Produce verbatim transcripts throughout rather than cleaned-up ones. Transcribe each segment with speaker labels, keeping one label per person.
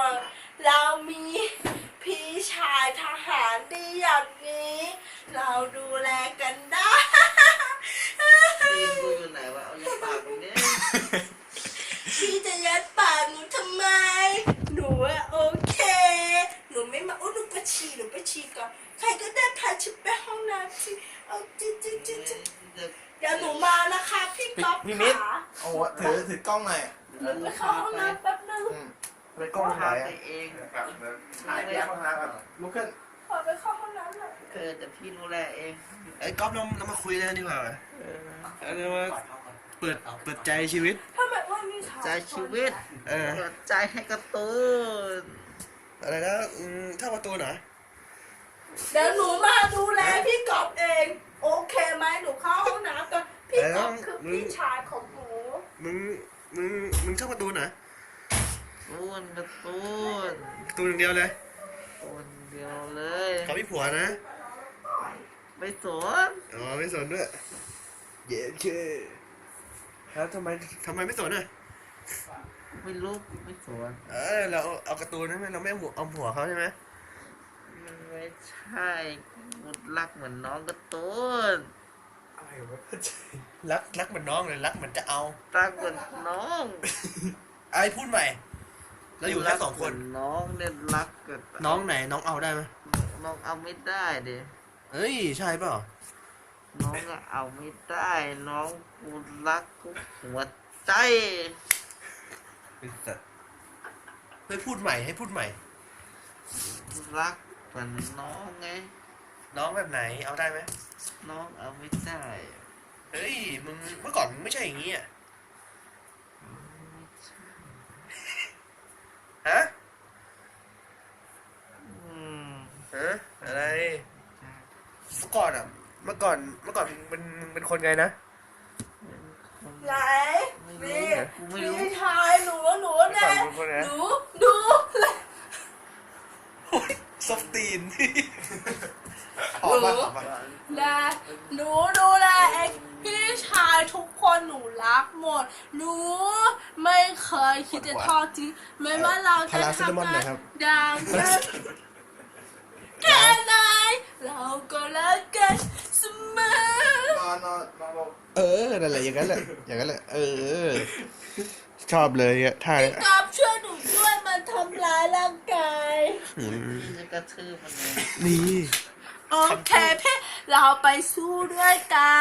Speaker 1: เรามีพี่ชายทหารดีอย่างนี้ เราดูแลกันได้
Speaker 2: ตีนกูอยู่ไหนวะเอาอย่าปากกูเนี่ย
Speaker 1: พี่จะยัดปากหนูทำไม หนูอะโอเค หนูไม่มาโอ้หนูไปฉี่หนูไปฉี่ก่อนใครก็ได้พาฉันไปห้องน้ำสิเอาจิ๊จิ๊จิ๊จิ๊เดี๋ยวหนูมานะคะพี่ก๊อฟ
Speaker 3: พี่มิตร
Speaker 1: ขา
Speaker 3: โอ้โหถือถือกล้องหน่อย
Speaker 1: หนูไปเข้าห้องน้ำแป๊บนึง
Speaker 3: อืมไปกล้องไหน
Speaker 2: พา
Speaker 3: อ่ะ
Speaker 2: ไปเอง
Speaker 3: ถ่ายแยกห้องน้ำก่อนลุกขึ้น
Speaker 1: ขอไปเข้าห้องน้ำหน่อย
Speaker 2: เออแต่พี่ดูแลเอง
Speaker 4: ไอ้ก๊อฟเราเรามาคุยกันดีกว่า
Speaker 2: เออ
Speaker 4: เรามาเปิดเปิดใจชีวิต
Speaker 1: ทำไมว่ามีสาว
Speaker 2: ใจชีวิต
Speaker 4: เออ
Speaker 2: เปิดใจให้การะตูน
Speaker 4: อะไรนะอืมถ้าประตูหน่อย
Speaker 1: เดี๋ยวหนูมาดูแลพี่ก๊อฟเอง โอเคไหมหนูเข้าห้องน้ำก่อนพี่ก๊อฟคือพี่ชายของหนู
Speaker 4: มึงมึงมึงชอบประตูหน่อย
Speaker 2: ตูนการะตูน
Speaker 4: ประตูอย่างเดียวเลย
Speaker 2: ตูนเดียวเลย
Speaker 4: เขาพี่ผัวนะ
Speaker 2: ไม่สน
Speaker 4: อ๋อไม่สนด้วยเย้เคแล้วทำไมทำไมไม่สนอ่ะ
Speaker 2: ไม่รู้ไม่สน
Speaker 4: เออเราเอาการ์ตูนใช่ไหมเราไม่เอาหัวเอาหัวเขาใช่ไหม
Speaker 2: มันไม่ใช่กูรักเหมือนน้องการะตูน
Speaker 3: อะไรวะเข้าใจ
Speaker 4: รักรักเหมือนน้องเลยรักเหมือนจะเอา
Speaker 2: รักเหมือนน้อง
Speaker 4: ไอ้พูดใหม่เราอยู่แค่สองคน
Speaker 2: รักเหมืน้องเนี่ยรักกับ
Speaker 4: น้องไหนน้องเอาได้ไหม
Speaker 2: น้องเอาไม่ได้ดิ
Speaker 4: เฮ้ยใช่เปล่า
Speaker 2: น้องอะเอาไม่ได้น้องกูรักกูหัวใจ
Speaker 4: เป็นสัตว์ให้พูดใหม่ให้พูดใหม่
Speaker 2: รักเหมือนน้องไง
Speaker 4: น้องแบบไหนเอาได้ไหม
Speaker 2: น้องเอาไม่ได้
Speaker 4: เฮ้ยมึงเมื่อก่อนมึงไม่ใช่อย่างนี้อ่ะฮะ
Speaker 2: อืม
Speaker 4: ฮะอะไรเมื่อก่อนอ่ะเมื่อก่อนเมื่อก่อนมึงเป็นมึงเป็นคนไงนะ
Speaker 1: ไหน
Speaker 2: ไม่
Speaker 1: นี่
Speaker 2: รู้กูไม่รู้
Speaker 1: พี่ชายหนูหนู
Speaker 4: เมื่อก่อ
Speaker 1: นะ
Speaker 4: นมึงเป็นคนไง
Speaker 1: หนูดู
Speaker 4: โอ้ยซอฟตีน
Speaker 3: ออกมาออกมา
Speaker 1: นะหนูดูแลเองพี่ชายทุกคนหนูรักหมด หนูไม่เคยคิดจะทอดทิ้งไม่ว่าเราจะทำงานดังกันแค่ไหนเราก็รักกันเสมอ
Speaker 3: นอนนอนนอนลง
Speaker 4: เออนั่นแหละอย่างนั้นแหละอย่างนั้นแหละเออชอบเลยอ่ะท่า
Speaker 1: พี่กอบช่วยหนูด้วยมันทำร้ายร่างกาย
Speaker 4: อืม
Speaker 2: พี่จะกระทืบมันเลย
Speaker 4: นี่
Speaker 1: โอเคพี่เราไปสู้ด้วยกัน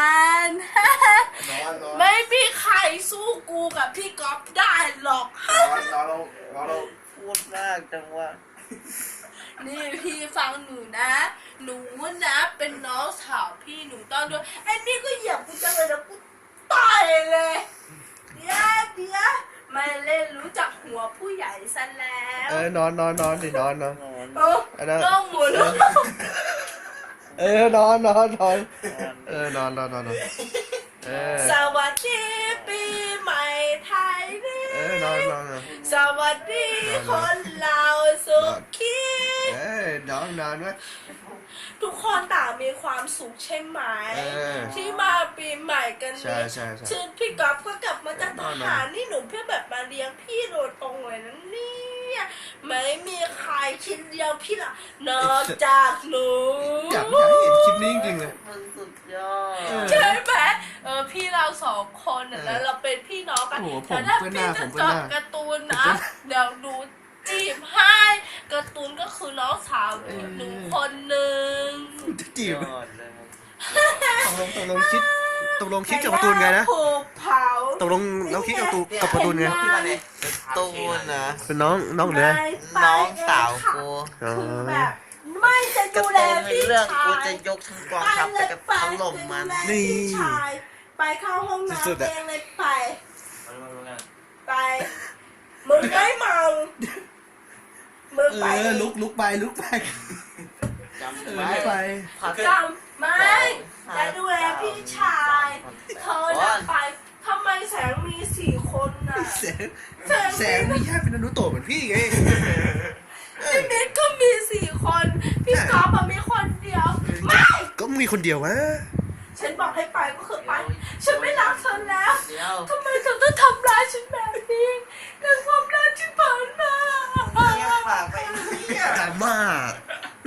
Speaker 3: นอนนอน
Speaker 1: ไม่มีใครสู้กูกับพี่ก๊อฟได้หรอก
Speaker 3: นอนนอนลงนอนลง
Speaker 2: พูดมากจังวะ
Speaker 1: นี่พี่ฟังหนูนะ หนูนะเป็นน้องสาวพี่หนูต้องด้วยไอ้นี่ก็เหยียบกูจังเลยนะกูต่อยเลยเดี๋ยวเดี๋ยวไม่เล่นรู้จักหัวผู้ใหญ่ซะแล้ว
Speaker 4: เออนอนนอนนอนสินอนนอน
Speaker 2: นอน
Speaker 1: โอ้ต้องหมุน
Speaker 4: เออนอนนอนนอนเออนอนนอนนอนนอนเออ
Speaker 1: สวัสดีปีใหม่ไทยนี่
Speaker 4: เออนอนนอนนอน
Speaker 1: สวัสดีคนเราสุขี
Speaker 4: เออนอนนอนไว้
Speaker 1: ทุกคนต่างมีความสุขใช่ไหม
Speaker 4: เออ
Speaker 1: ที่มาปีใหม่กัน
Speaker 4: ใช่
Speaker 1: นี้
Speaker 4: ใช่ใช่
Speaker 1: ชื่อพี่ก๊อฟก็กลับมาจากท
Speaker 4: นอนๆ
Speaker 1: หารนี่หนูเพื่อแบบมาเลี้ยงพี่โดยตรงเลยนะเนี่ยไม่มีใครคิดเลี้ยงพี่ละนอกจากหนู
Speaker 4: อยากอยากให้เห็นคลิปนี้จริงๆเลย
Speaker 2: มันสุดยอด
Speaker 4: เออ
Speaker 1: ใช่ไหมเออพี่เราสองคนน่ะแล้วเราเป็นพี่น้องกัน
Speaker 4: โอ้โหผม
Speaker 1: แต่ถ้า
Speaker 4: เพื่อนห
Speaker 1: พี่
Speaker 4: น้า
Speaker 1: จะ
Speaker 4: ผมเพื่
Speaker 1: จ
Speaker 4: อน
Speaker 1: ด
Speaker 4: หน้า
Speaker 1: การ์ตูนนะเดี๋ยวดูจีบให้การ์ตูนก็คือน้องสาวหนูคนหนึ่ง
Speaker 4: จะจีบ
Speaker 2: ยอดเลย
Speaker 4: ตกลงตกลงคิดตกลงคิดกับประตูนไงนะ
Speaker 1: ถูกเผา
Speaker 4: ตกลงเราคิดกับประตูกับประตูนไง
Speaker 2: ที่มาเนี่ยตูนนะ
Speaker 4: เป็นน้องน้องเหนือ
Speaker 2: น้องสาวกู
Speaker 4: อ๋อ
Speaker 1: คือแบบไม่จะ
Speaker 2: กระ
Speaker 1: ดู
Speaker 2: ตู
Speaker 1: แล
Speaker 2: นใน
Speaker 1: พี่
Speaker 2: เรื่อง
Speaker 1: ชา
Speaker 2: กู
Speaker 1: ย
Speaker 2: จะยกทั้งกองทัพไปกับถล่มมัน
Speaker 1: ไปเลยพี่ชายไปเข้าห้องน้ำ
Speaker 4: สุดๆอะ
Speaker 1: เองเลยไปไปมึงไม่เมามึง
Speaker 4: เอ
Speaker 1: ไป
Speaker 4: อลุกลุกไปลุกไป
Speaker 2: จำ
Speaker 4: เออ
Speaker 2: ไว้
Speaker 4: ลุกไป
Speaker 1: จำไม่จะดูแลพี่ชายเธอน่ะไปทำไมแสงมีสี่คนน่ะ
Speaker 4: แสงแสงมีแค่เป็นอนุโตะเหมือนพี่ไง
Speaker 1: พี่มิตรก็มีสี่คน พี่ก๊อฟอะมีคนเดียว ไม่
Speaker 4: ก็มีคนเดียววะ
Speaker 1: ฉันบอกให้ไปก็คือไป ฉันไม่รักเธอแล้ว
Speaker 2: เดี๋ยว
Speaker 1: ทำไมเธอต้องทำร้ายฉันแบบนี้ในความรักที่ผ่านมา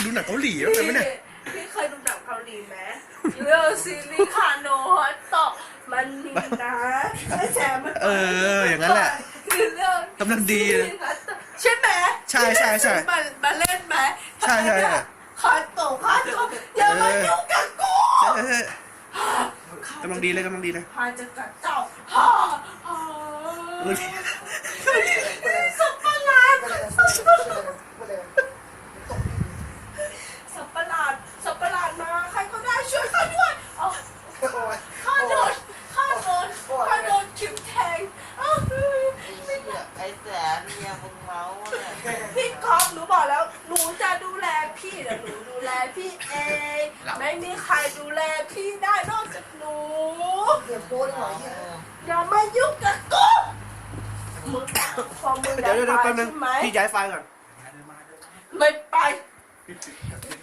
Speaker 4: ดูหนังเกาหลีบ้างไหมเนี่ย
Speaker 1: พี่เคยดูหนังเกาหลีไหมเรื่องซีรีส์คาโนะฮอตโตะมันมีนะไอ้แซมมัน
Speaker 4: เอออย่างนั้นแหละ
Speaker 1: คือเรื่อง
Speaker 4: กำลังดีเลย
Speaker 1: ใช่ไหม
Speaker 4: ใช่ใช่ใช่
Speaker 1: มามาเล่นไหม
Speaker 4: ใช่ใช่ใช่
Speaker 1: คาโตะคาโตะอย่ามายุ่งกับกู
Speaker 4: เออ กำลังดีเลยกำลังดีเลย
Speaker 1: พาจะกัดเจ้าฮ่าฮ่าสับประหลาดสับประหลาดสับประหลาดมาใครก็ได้ช่วยข้าด้วยเอาข้าโดนข้าโดนข้าโดนคิมแทงอ้าว
Speaker 2: ไอ้แสนเนี่ยมึงเมาเนี่ย
Speaker 1: พี่ก๊อฟหนูบอกแล้วหนูจะดูแลพี่เดี๋ยวหนูดูแลพี่เองไม่มีใครดูแลพี่ได้นอกจากหนู
Speaker 3: เดี๋ยวโป้หน่อยเนี่ย
Speaker 1: อย่ามายุ่งกับกูมึงพอมึง
Speaker 4: เดี๋ยวเดี๋ยว
Speaker 1: ไป
Speaker 4: แป๊บนึง
Speaker 1: ใช่ไหม
Speaker 4: พี่ย้ายไฟล์ก่อน
Speaker 1: ไม่ไป